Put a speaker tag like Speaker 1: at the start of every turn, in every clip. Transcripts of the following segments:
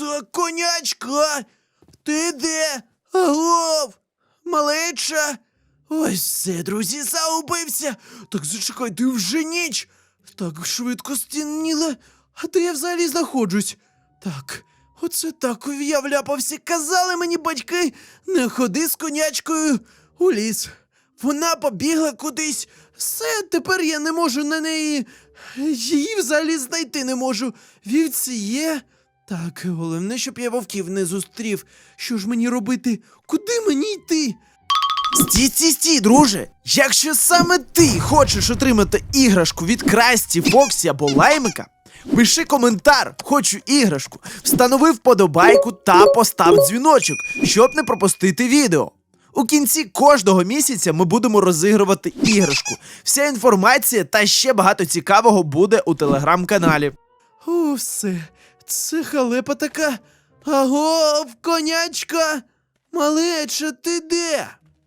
Speaker 1: Так, конячка! Ти де? Агов! Малеча! Ось все, друзі, загубився! Так зачекайте, вже ніч! Так швидко стемніло. А де я взагалі знаходжусь? Так, оце так я вляпався. Казали мені батьки, не ходи з конячкою у ліс. Вона побігла кудись. Все, тепер я не можу на неї. Її взагалі знайти не можу. Вівці є. Так, головне, щоб я вовків не зустрів. Що ж мені робити? Куди мені йти? Стій, друже! Якщо саме ти хочеш отримати іграшку від Красті, Фоксі або Лаймика, пиши коментар «Хочу іграшку», встанови вподобайку та постав дзвіночок, щоб не пропустити відео. У кінці кожного місяця ми будемо розігрувати іграшку. Вся інформація та ще багато цікавого буде у телеграм-каналі. О, все. Це халепа така. Агов, конячка! Малеча, ти де?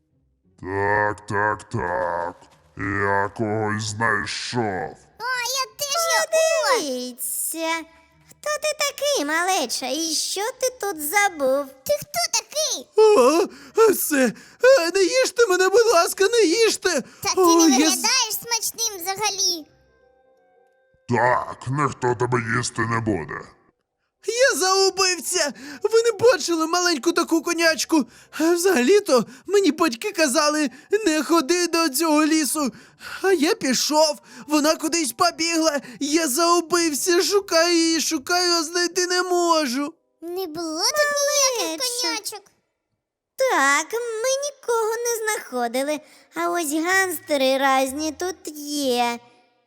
Speaker 2: Так. Я когось знайшов.
Speaker 3: Я теж його. Дивіться. Хто ти такий, малеча? І що ти тут забув? Ти хто такий?
Speaker 1: Все. Не їжте мене, будь ласка, не їжте.
Speaker 3: Та ти не виглядаєш смачним взагалі.
Speaker 2: Так, ніхто тебе їсти не буде.
Speaker 1: Я загубився! Ви не бачили маленьку таку конячку? А взагалі-то мені батьки казали, не ходи до цього лісу. А я пішов, вона кудись побігла, я загубився, шукаю, а знайти не можу.
Speaker 3: Не було тут ніяких конячок. Так, ми нікого не знаходили, а ось ганстери разні тут є.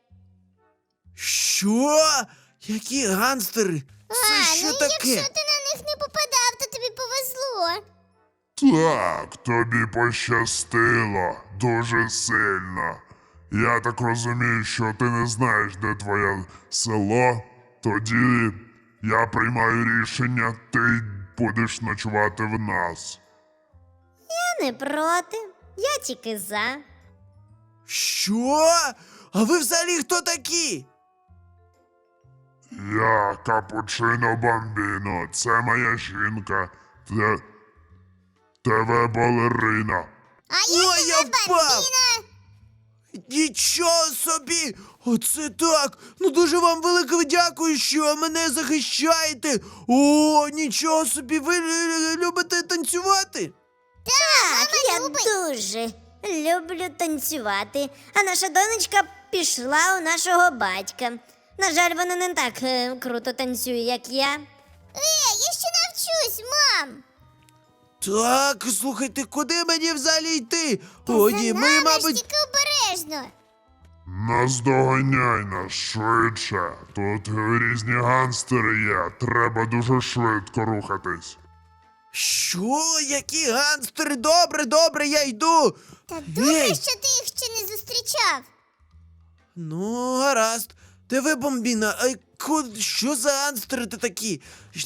Speaker 1: Що? Які ганстери? Це що таке?
Speaker 3: Якщо ти на них не попадав, то тобі повезло.
Speaker 2: Так, тобі пощастило дуже сильно. Я так розумію, що ти не знаєш, де твоє село. Тоді я приймаю рішення, ти будеш ночувати в нас.
Speaker 3: Я не проти, я тільки за.
Speaker 1: Що? А ви взагалі хто такі?
Speaker 2: Я Капучино Бамбіно, це моя жінка, ТВ-балерина.
Speaker 3: А
Speaker 1: Ой, я впав!
Speaker 3: Бамбіна.
Speaker 1: Нічого собі! Оце так! Ну дуже вам велике дякую, що мене захищаєте! О, нічого собі! Ви любите танцювати?
Speaker 3: Так, я дуже люблю танцювати. А наша донечка пішла у нашого батька. На жаль, вона не так круто танцює, як я. Я ще навчусь, мам!
Speaker 1: Так, слухайте, куди мені взагалі йти? О, ні, ми, мабуть...
Speaker 3: тільки обережно.
Speaker 2: Наздоганяй нас швидше. Тут різні ганстери є, треба дуже швидко рухатись.
Speaker 1: Що? Які ганстери? Добре, я йду!
Speaker 3: Та
Speaker 1: Гей!
Speaker 3: що ти їх ще не зустрічав.
Speaker 1: Ну, гаразд. ТВ Бомбіна, що за ганстери такі?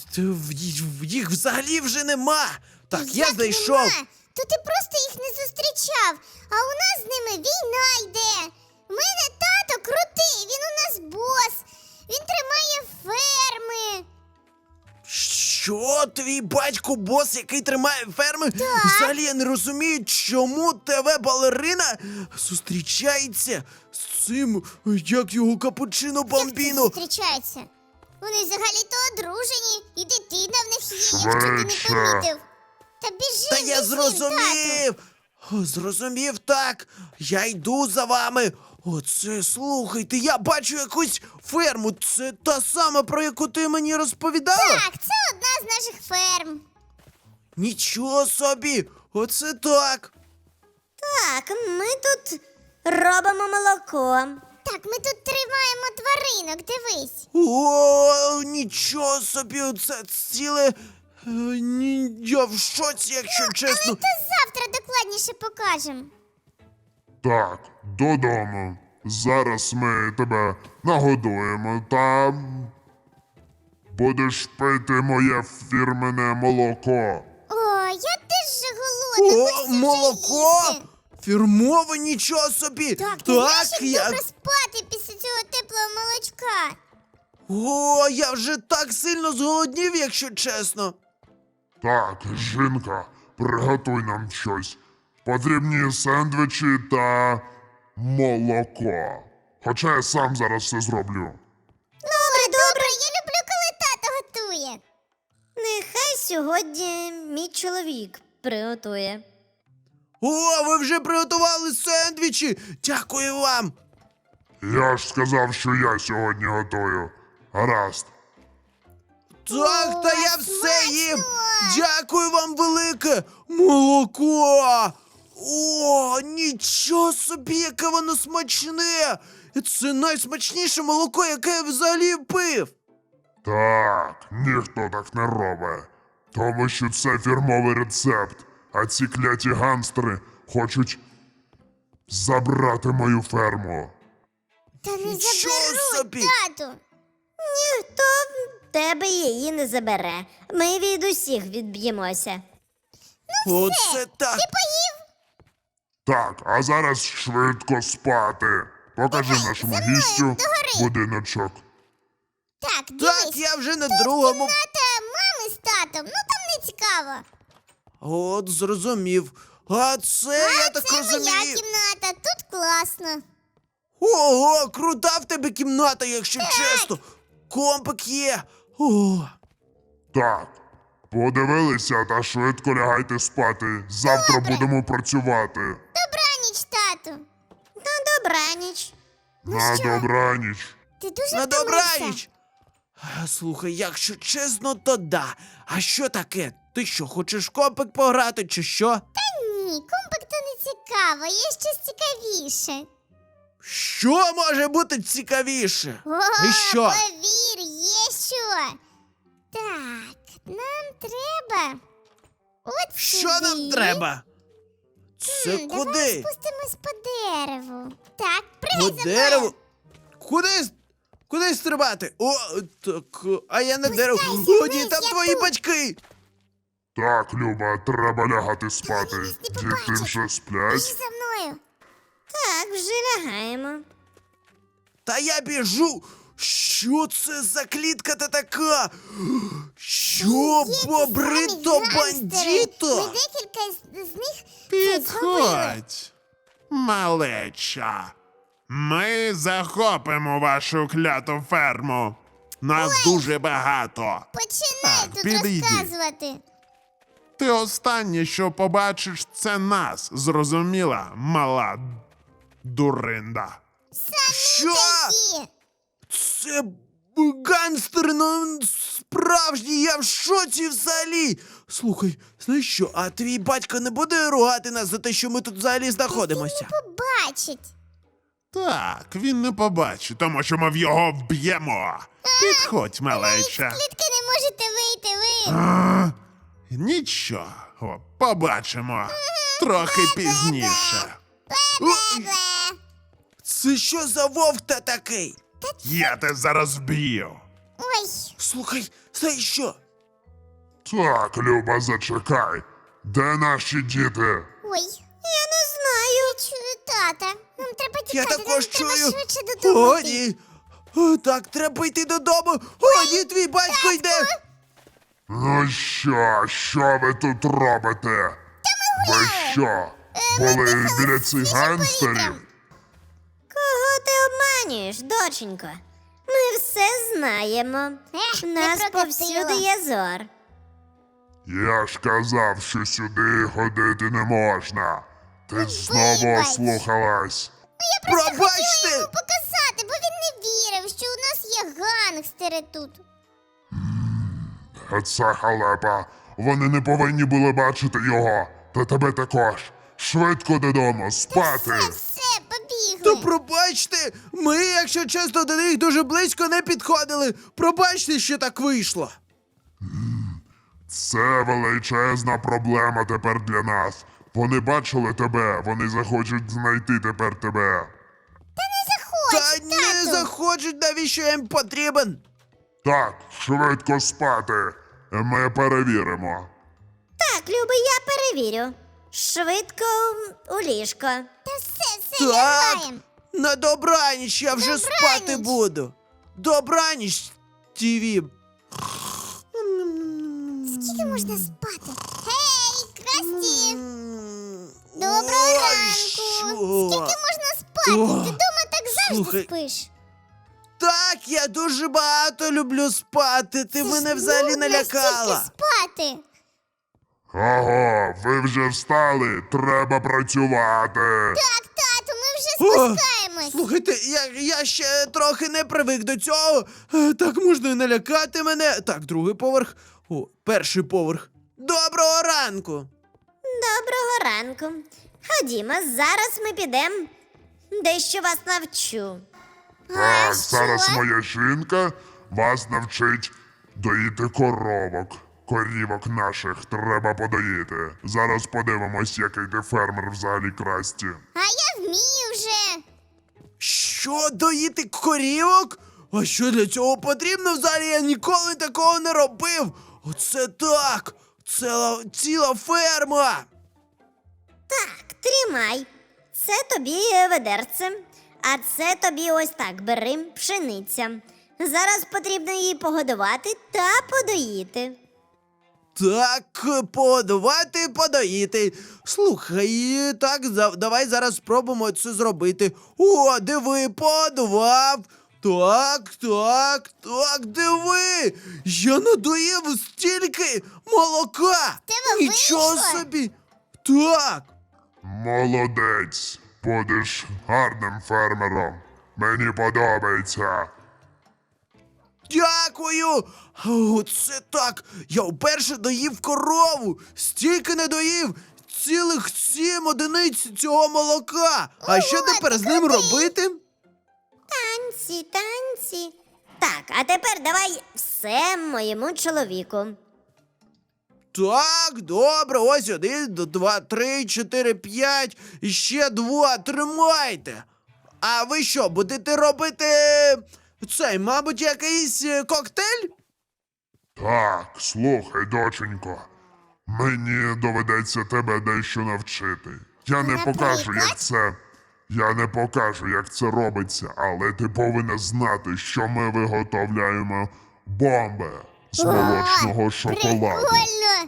Speaker 1: Їх взагалі вже нема. Так, я знайшов.
Speaker 3: Нема? То ти просто їх не зустрічав, а у нас з ними війна йде. У мене тато крутий, він у нас бос, він тримає ферми.
Speaker 1: Що? Твій батько бос, який тримає ферми? Так. Взагалі я не розумію, чому ТВ-балерина зустрічається з цим, як його Капучино Бамбіно.
Speaker 3: Як це зустрічаються? Вони взагалі-то одружені, і дитина в них є, якщо ти не помітив. Та біжи,
Speaker 1: Та я зрозумів! Зрозумів, так. Я йду за вами. Оце, слухайте, я бачу якусь ферму. Це та сама, про яку ти мені розповідала?
Speaker 3: Так, це одна з наших ферм.
Speaker 1: Нічого собі! Оце так!
Speaker 3: Так, ми тут робимо молоко. Так, ми тут тримаємо тваринок, дивись.
Speaker 1: О, нічого собі! Це ціле... Я в шоці, якщо чесно.
Speaker 3: Але то завтра докладніше покажемо.
Speaker 2: Так, додому. Зараз ми тебе нагодуємо та будеш пити моє фірменне молоко.
Speaker 3: О, я теж же голодна.
Speaker 1: О,
Speaker 3: хочеться вже
Speaker 1: молоко!
Speaker 3: їсти.
Speaker 1: Фірмове, нічого собі!
Speaker 3: Так, ти знаєш, як
Speaker 1: я...
Speaker 3: добре спати після цього теплого молочка.
Speaker 1: О, я вже так сильно зголоднів, якщо чесно.
Speaker 2: Так, жінка, приготуй нам щось. Потрібні сендвічі та молоко. Хоча я сам зараз все зроблю.
Speaker 3: Добре, я люблю, коли тато готує. Нехай сьогодні мій чоловік приготує.
Speaker 1: О, ви вже приготували сендвічі! Дякую вам!
Speaker 2: Я ж сказав, що я сьогодні готую. Гаразд.
Speaker 1: Так, та я все
Speaker 3: смачно!
Speaker 1: їм! Дякую вам велике! Молоко! О, нічого собі, яке воно смачне! Це найсмачніше молоко, яке я взагалі пив!
Speaker 2: Так, ніхто так не робить. Тому що це фірмовий рецепт, а ці кляті ганстери хочуть забрати мою ферму.
Speaker 3: Та не
Speaker 1: Нічого
Speaker 3: заберуть,
Speaker 1: собі!
Speaker 3: тату. Ніхто в тебе її не забере. Ми від усіх відб'ємося.
Speaker 1: Оце так!
Speaker 2: Так, а зараз швидко спати. Покажи нашому гістю будиночок.
Speaker 3: Так,
Speaker 1: Так, я вже на другому.
Speaker 3: мами з татом, ну там не цікаво.
Speaker 1: От, зрозумів. А це, я так розумію.
Speaker 3: кімната, тут класно.
Speaker 1: Ого, крута в тебе кімната, якщо чесно. Компик є. О,
Speaker 2: Так, подивилися та швидко лягайте спати. Завтра будемо працювати.
Speaker 3: Добраніч, тату. На добраніч.
Speaker 2: На добраніч.
Speaker 3: Ти дуже
Speaker 1: на добраніч. Слухай, якщо чесно, то да. А що таке? Ти що, хочеш в компик пограти, чи що?
Speaker 3: Ні, компик то не цікаво, є щось цікавіше.
Speaker 1: Що може бути цікавіше?
Speaker 3: О,
Speaker 1: І що?
Speaker 3: повір, є що. Так, нам треба. От
Speaker 1: Що
Speaker 3: сюди.
Speaker 1: нам треба? Це
Speaker 3: Давай
Speaker 1: куди?
Speaker 3: спустимось по дереву. Так,
Speaker 1: По
Speaker 3: пригай за мною.
Speaker 1: дереву? Куди? Куди стрибати? О, так, а я на дереву. О, ні,
Speaker 3: вниз,
Speaker 1: там
Speaker 3: я
Speaker 1: твої
Speaker 3: тут.
Speaker 1: батьки.
Speaker 2: Так, Люба, треба лягати спати.
Speaker 3: Нас не
Speaker 2: Діти
Speaker 3: побачать.
Speaker 2: вже
Speaker 3: Біжи
Speaker 2: сплять.
Speaker 3: за мною. Так, вже лягаємо.
Speaker 1: Та я біжу. Що це за клітка та така? Що, бобрито
Speaker 3: Ми
Speaker 1: бандіто?
Speaker 3: декілька з них це зробили.
Speaker 4: Підходь, малеча. Ми захопимо вашу кляту ферму. Нас дуже багато.
Speaker 3: Починай
Speaker 4: Так,
Speaker 3: тут
Speaker 4: підійди.
Speaker 3: розказувати.
Speaker 4: Ти останнє, що побачиш, це нас. Зрозуміла, мала дуринда.
Speaker 1: Що?
Speaker 3: Такі.
Speaker 1: Це гангстер, ну справжній, я в шоці взагалі. Слухай, знаєш що, а твій батько не буде ругати нас за те, що ми тут взагалі знаходимося?
Speaker 3: Побачить.
Speaker 4: Так, він не побачить, тому що ми в його вб'ємо. Підходь, малеча.
Speaker 3: Клітки не можете вийти ви.
Speaker 4: Нічого, побачимо. Трохи пізніше.
Speaker 1: Ой,
Speaker 3: Бле.
Speaker 1: це що за вовк та такий?
Speaker 4: Я тебе зараз вб'ю.
Speaker 3: Ой,
Speaker 1: Слухай, знаєш що?
Speaker 2: Так, Люба, зачекай. Де наші діти?
Speaker 3: ой. Я не знаю. Я чую тата. Нам треба тікати,
Speaker 1: Я також
Speaker 3: нам треба
Speaker 1: чую.
Speaker 3: швидше додому.
Speaker 1: О,
Speaker 3: йти.
Speaker 1: ні. О, так, треба йти додому. О, ні, твій батько йде.
Speaker 2: Ну що ви тут робите? Ви що? Були біля цих гангстерів?
Speaker 3: Кого ти обманюєш, доченько? Ми все знаємо. У нас повсюди є зор.
Speaker 2: Я ж казав, що сюди ходити не можна. Ти знову
Speaker 3: вибач.
Speaker 2: ослухалась.
Speaker 1: Пробачте.
Speaker 3: Показати, бо він не вірив, що у нас є гангстери тут.
Speaker 2: Це халепа. Вони не повинні були бачити його. Та тебе також. Швидко додому, спати.
Speaker 3: Все, побігли.
Speaker 1: То пробачте, ми, якщо чесно, до них дуже близько не підходили. Пробачте, що так вийшло.
Speaker 2: Це величезна проблема тепер для нас. Вони бачили тебе, вони захочуть знайти тепер тебе.
Speaker 1: Та не захочуть, навіщо я їм потрібен.
Speaker 2: Так, швидко спати. Ми перевіримо.
Speaker 3: Так, Люби, я перевірю. Швидко у ліжко. Та все,
Speaker 1: Так, на добраніч, я вже
Speaker 3: Добраніч.
Speaker 1: спати буду. Добраніч, ТВ.
Speaker 3: Скільки можна спати? Гей, Красті!
Speaker 1: Доброго
Speaker 3: Доброго ранку! Скільки можна спати?
Speaker 1: О,
Speaker 3: Ти дома так завжди
Speaker 1: слухай.
Speaker 3: спиш.
Speaker 1: Так, я дуже багато люблю спати. Ти мене
Speaker 3: Це ж
Speaker 1: взагалі
Speaker 3: нудно
Speaker 1: налякала.
Speaker 3: стільки спати.
Speaker 2: Ого, ви вже встали, треба працювати.
Speaker 3: Так, тату, ми вже
Speaker 1: О,
Speaker 3: спускаємось.
Speaker 1: Слухайте, я ще трохи не привик до цього. Так можна і налякати мене. Так, другий поверх. О, перший поверх. Доброго ранку.
Speaker 3: Доброго ранку. Ходімо, зараз ми підемо. Дещо вас навчу.
Speaker 2: Так, зараз моя жінка вас навчить доїти коровок. Корівок наших треба подоїти. Зараз подивимось, який ти фермер взагалі, Красті.
Speaker 3: А я вмію вже.
Speaker 1: Що, доїти корівок? А що для цього потрібно взагалі? Я ніколи такого не робив. Оце так! Ціла ферма!
Speaker 3: Так, тримай. Це тобі ведерце, а це тобі ось так, бери пшениця. Зараз потрібно її погодувати та подоїти.
Speaker 1: Так, подавати, подоїти. Слухай, так, давай зараз спробуємо це зробити. О, диви, подавав. Так, диви. Я надоїв стільки молока.
Speaker 3: тебе
Speaker 1: Нічого
Speaker 3: вийшло?
Speaker 1: собі. Так.
Speaker 2: Молодець, будеш гарним фермером. Мені подобається.
Speaker 1: Дякую! Оце так! Я вперше доїв корову! Стільки не доїв! Цілих 7 одиниць цього молока! А що
Speaker 3: Ого,
Speaker 1: тепер
Speaker 3: ти
Speaker 1: з ним
Speaker 3: крутий!
Speaker 1: робити?
Speaker 3: Танці, танці. Так, а тепер давай все моєму чоловіку.
Speaker 1: Так, добре, ось 1, 2, 3, 4, 5, і ще 2, тримайте! А ви що, будете робити цей, мабуть, якийсь коктейль?
Speaker 2: Так, слухай, доченько. Мені доведеться тебе дещо навчити. Я не покажу, як це. Я не покажу, як це робиться, але ти повинна знати, що ми виготовляємо бомби з молочного шоколаду.
Speaker 3: Прикольно.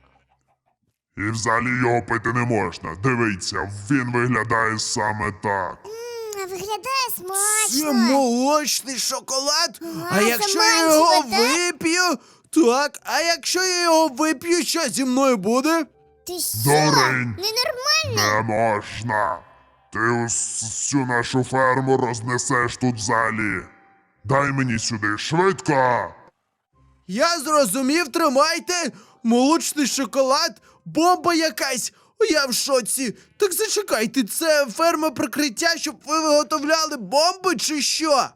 Speaker 2: І взагалі його пити не можна. Дивіться, він виглядає саме так.
Speaker 3: Виглядає
Speaker 1: Це
Speaker 3: смачно.
Speaker 1: молочний шоколад? А
Speaker 3: це
Speaker 1: якщо я
Speaker 3: манчево,
Speaker 1: його
Speaker 3: так?
Speaker 1: вип'ю? Так, а якщо я його вип'ю, що зі мною буде?
Speaker 3: Ти що?
Speaker 2: Дурень.
Speaker 3: Ненормально.
Speaker 2: Не можна. Ти всю нашу ферму рознесеш тут взагалі. Дай мені сюди, швидко.
Speaker 1: Я зрозумів, тримайте! Молочний шоколад, бомба якась! Я в шоці! Так зачекайте, це ферма прикриття, щоб ви виготовляли бомби чи що?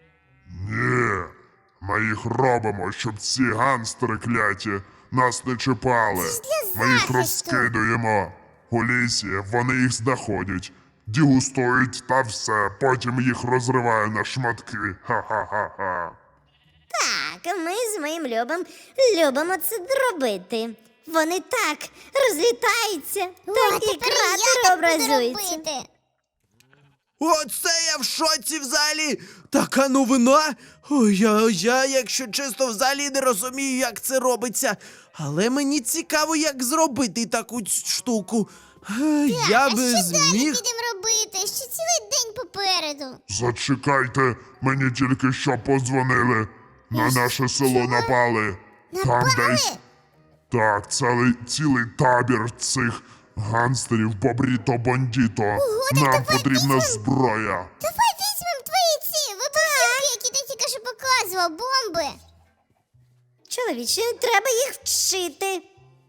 Speaker 2: Ні, ми їх робимо, щоб ці ганстери кляті нас не чіпали.
Speaker 3: для
Speaker 2: Ми їх
Speaker 3: захисту.
Speaker 2: розкидуємо. У лісі вони їх знаходять, дегустують та все, потім їх розриваю на шматки. Ха-ха-ха-ха.
Speaker 3: Так, ми з моїм любимо це робити. Вони так розлітаються, такі кратери образуються.
Speaker 1: Оце я в шоці взагалі! Така новина! Ой, я, якщо чесно, взагалі не розумію, як це робиться. Але мені цікаво, як зробити таку штуку. Я би зміг.
Speaker 3: Підемо робити? Ще цілий день попереду.
Speaker 2: Зачекайте, мені тільки що подзвонили. На наше село напали. Там десь. Так, цілий табір цих гангстерів Бобріто-Бандіто. Нам
Speaker 3: давай
Speaker 2: потрібна
Speaker 3: візьмем.
Speaker 2: зброя.
Speaker 3: Давай візьмемо твої ці вибухівки, які ти тільки що показував, бомби. Чоловіче, треба їх вчити.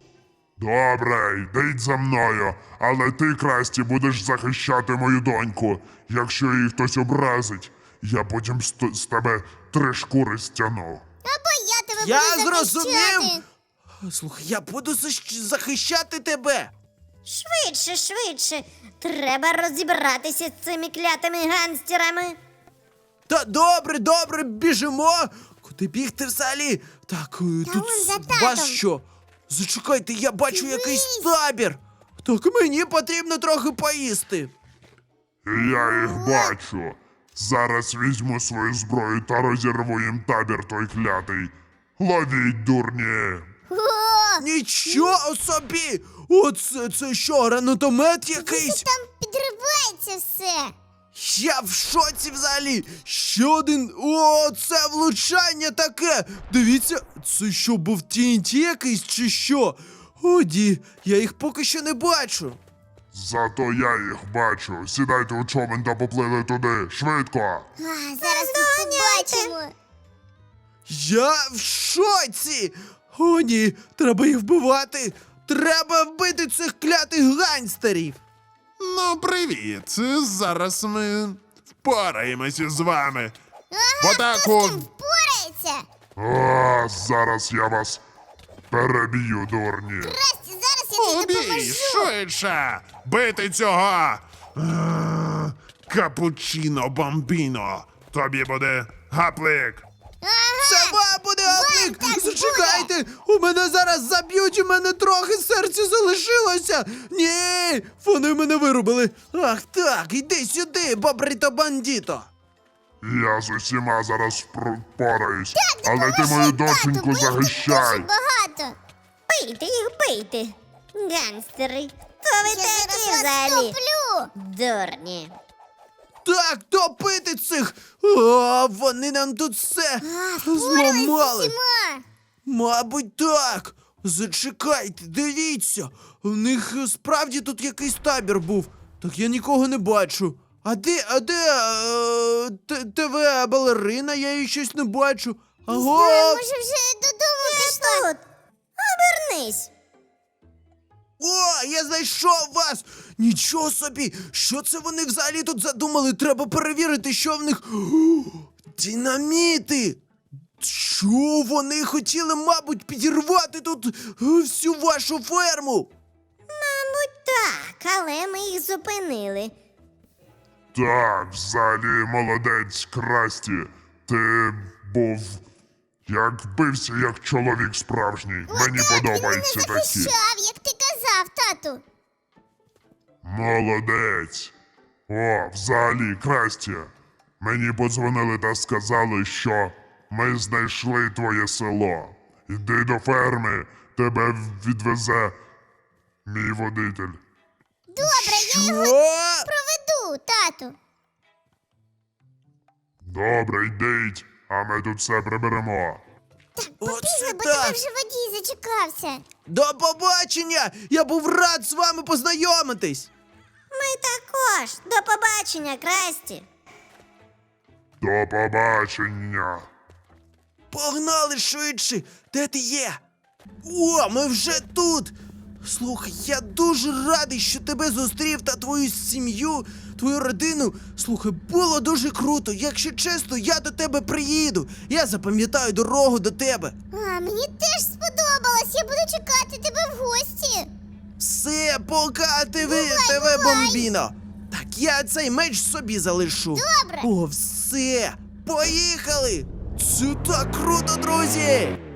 Speaker 2: Добре, йдіть за мною, але ти, Красті, будеш захищати мою доньку. Якщо її хтось образить, я потім з тебе 3 шкури стягну.
Speaker 3: Або я тебе
Speaker 1: Я
Speaker 3: буду
Speaker 1: зрозумів.
Speaker 3: захищати.
Speaker 1: Слухай, я буду захищати тебе.
Speaker 3: Швидше. Треба розібратися з цими клятими гангстерами.
Speaker 1: Та добре, біжимо. Куди бігти взагалі? Так, тут
Speaker 3: вон за
Speaker 1: вас
Speaker 3: татом.
Speaker 1: що? Зачекайте, я бачу якийсь табір. Так мені потрібно трохи поїсти.
Speaker 2: І я їх бачу. Зараз візьму свою зброю та розірву їм табір той клятий. Ловіть, дурні!
Speaker 3: О,
Speaker 1: Нічого собі! Оце це що, гранатомет якийсь?
Speaker 3: там підривається все.
Speaker 1: Я в шоці взагалі! Ще один. О, це влучання таке! Дивіться, це що, був TNT якийсь чи що? Оді, я їх поки що не бачу.
Speaker 2: Зато я їх бачу. Сідайте у човен та поплили туди. Швидко!
Speaker 3: Зараз тут побачимо.
Speaker 1: Я в шоці! О, ні, треба їх вбивати! Треба вбити цих клятих ганстерів!
Speaker 4: Ну, привіт. Зараз ми впораємося з вами. В атаку!
Speaker 3: Впорається.
Speaker 2: А, зараз я вас переб'ю, дурні.
Speaker 3: Красті, зараз я тобі
Speaker 4: Убій,
Speaker 3: допоможу.
Speaker 4: швидше! Бити цього! Капучино бомбіно! Тобі буде гаплик!
Speaker 1: Це вам буде оплик!
Speaker 3: так
Speaker 1: Зачекайте! У мене зараз заб'ють, у мене трохи серця залишилося! Ні! Вони мене вирубили! Ах так, іди сюди, бобрито бандіто!
Speaker 2: Я з усіма зараз впораюсь. Але ти мою доченьку захищай.
Speaker 3: Багато.
Speaker 5: Бийте їх, бийте. Гангстери. То ви такі взагалі. Дурні.
Speaker 1: Так, топити цих! О, вони нам тут все зламали! Мабуть, так. Зачекайте, дивіться. У них справді тут якийсь табір був. Так я нікого не бачу. А де ТВ-балерина? Я її щось не бачу. Аго!
Speaker 3: Може вже додому пішла?
Speaker 5: Тут. Обернись.
Speaker 1: О, я знайшов вас! Нічого собі! Що це вони взагалі тут задумали? Треба перевірити, що в них. О, динаміти! Що вони хотіли, мабуть, підірвати тут всю вашу ферму?
Speaker 5: Так, але ми їх зупинили.
Speaker 2: Так, взагалі молодець, Красті. Ти був. Як бився, як чоловік справжній. Мені подобаються такі.
Speaker 3: Захищав, як ти казав, тату.
Speaker 2: Молодець. О, взагалі, Красті. Мені подзвонили та сказали, що ми знайшли твоє село. Іди до ферми, тебе відвезе мій водитель.
Speaker 3: Добре, я
Speaker 1: Що?
Speaker 3: проведу, тату.
Speaker 2: Добре, йдіть, а ми тут все приберемо.
Speaker 1: Оце
Speaker 3: Бо тебе
Speaker 1: так!
Speaker 3: вже водій зачекався.
Speaker 1: До побачення! Я був рад з вами познайомитись!
Speaker 5: Ми також. До побачення, Красті.
Speaker 2: До побачення.
Speaker 1: Погнали швидше! Де ти є? О, ми вже тут! Слухай, я дуже радий, що тебе зустрів та твою сім'ю, твою родину. Слухай, було дуже круто. Якщо чесно, я до тебе приїду. Я запам'ятаю дорогу до тебе.
Speaker 3: А, мені теж сподобалось. Я буду чекати тебе в гості.
Speaker 1: Все, пока, ТВ бомбіно. Так я цей меч собі залишу.
Speaker 3: Добре.
Speaker 1: О, все, поїхали! Це так круто, друзі!